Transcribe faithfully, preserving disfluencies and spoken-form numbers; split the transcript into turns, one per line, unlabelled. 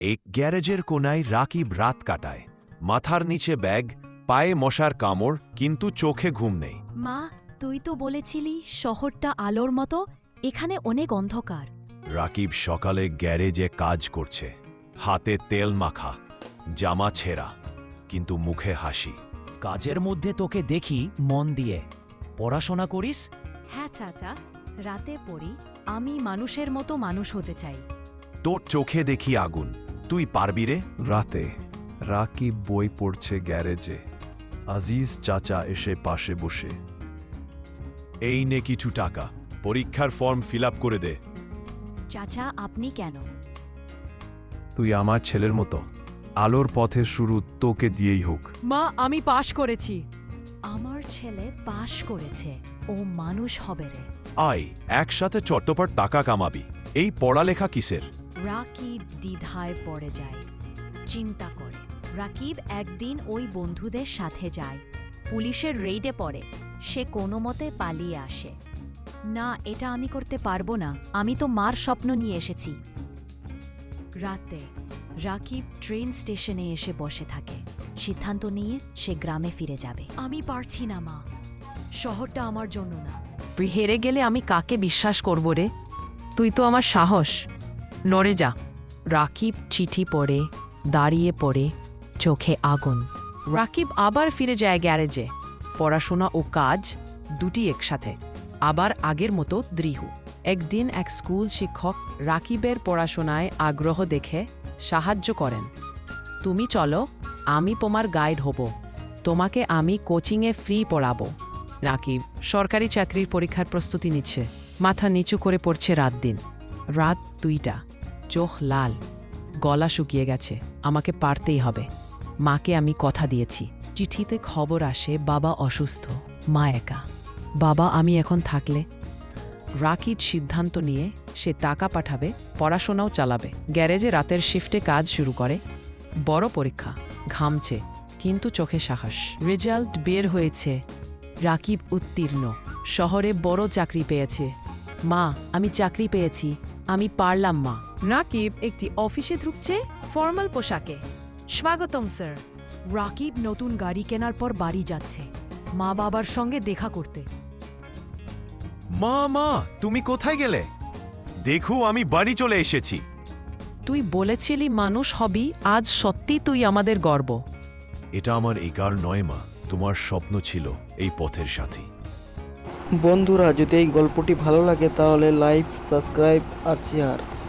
এক গ্যারেজের কোনায় রাকিব রাত কাটায়। মাথার নিচে ব্যাগ, পায়ে মশার কামড়, কিন্তু চোখে ঘুম নেই।
মা, তুই তো বলেছিলি শহরটা আলোর মতো, এখানে অনেক অন্ধকার।
রাকিব সকালে গ্যারেজে কাজ করছে, হাতে তেল মাখা, জামা ছেঁড়া, কিন্তু মুখে হাসি।
কাজের মধ্যে তোকে দেখি মন দিয়ে পড়াশোনা করিস।
হ্যাঁ চাচা, রাতে পড়ি। আমি মানুষের মতো মানুষ হতে চাই।
তোর চোখে দেখি আগুন, তুই পারবি রে?
রাতে রাকিব বই পড়ছে গ্যারেজে। আজিজ চাচা এসে পাশে বসে।
এই নে কিছু টাকা, পরীক্ষার ফর্ম ফিল আপ করে দে।
চাচা, আপনি কেন?
তুই আমার ছেলের মতো, আলোর পথের শুরু তোকে দিয়েই হোক।
মা, আমি পাশ করেছি। আমার ছেলে পাশ করেছে, ও মানুষ হবে রে।
আয়, একসাথে চট্টপাট টাকা কামাবি। এই পড়ালেখা কিসের?
রাকিব দ্বিধায় পড়ে যায়, চিন্তা করে। রাকিব একদিন ওই বন্ধুদের সাথে যায়, পুলিশের রেইডে পড়ে। সে কোনো মতে পালিয়ে আসে। না, এটা আমি করতে পারবো না, আমি তো মার স্বপ্ন নিয়ে এসেছি। রাতে রাকিব ট্রেন স্টেশনে এসে বসে থাকে। সিদ্ধান্ত নিয়ে সে গ্রামে ফিরে যাবে। আমি পারছি না মা, শহরটা আমার জন্য না।
তুই হেরে গেলে আমি কাকে বিশ্বাস করব রে? তুই তো আমার সাহস। নড়ে যা। রাকিব চিঠি পড়ে, দাঁড়িয়ে পড়ে, চোখে আগুন। রাকিব আবার ফিরে যায় গ্যারেজে। পড়াশোনা ও কাজ দুটি একসাথে, আবার আগের মতো দৃঢ়। একদিন এক স্কুল শিক্ষক রাকিবের পড়াশোনায় আগ্রহ দেখে সাহায্য করেন। তুমি চলো, আমি তোমার গাইড হব, তোমাকে আমি কোচিংয়ে ফ্রি পড়াবো। রাকিব সরকারি চাকরির পরীক্ষার প্রস্তুতি নিচ্ছে, মাথা নিচু করে পড়ছে রাত দিন। রাত দুইটা, চোখ লাল, গলা শুকিয়ে গেছে। আমাকে পারতেই হবে, মাকে আমি কথা দিয়েছি। চিঠিতে খবর আসে বাবা অসুস্থ, মা একা। বাবা আমি এখন থাকলে? রাকিব সিদ্ধান্ত নিয়ে সে টাকা পাঠাবে, পড়াশোনাও চালাবে। গ্যারেজে রাতের শিফটে কাজ শুরু করে। বড় পরীক্ষা, ঘামছে কিন্তু চোখে সাহস। রেজাল্ট বের হয়েছে, রাকিব উত্তীর্ণ, শহরে বড় চাকরি পেয়েছে। মা, আমি চাকরি পেয়েছি, আমি পারলাম মা। রাকিব একটি অফিসে ঢুকছে, ফর্মাল পোশাকে। স্বাগতম স্যার।
রাকিব নতুন গাড়ি কেনার পর বাড়ি যাচ্ছে, মা বাবার সঙ্গে দেখা করতে।
মা মা, তুমি কোথায় গেলে? দেখো, আমি বাড়ি চলে এসেছি।
তুই বলেছিলি মানুষ হবি, আজ সত্যি তুই আমাদের গর্ব।
এটা আমার একার নয় মা, তোমার স্বপ্ন ছিল এই পথের সাথী।
বন্ধুরা, যদি এই গল্পটি ভালো লাগে তাহলে লাইক, সাবস্ক্রাইব আর শেয়ার।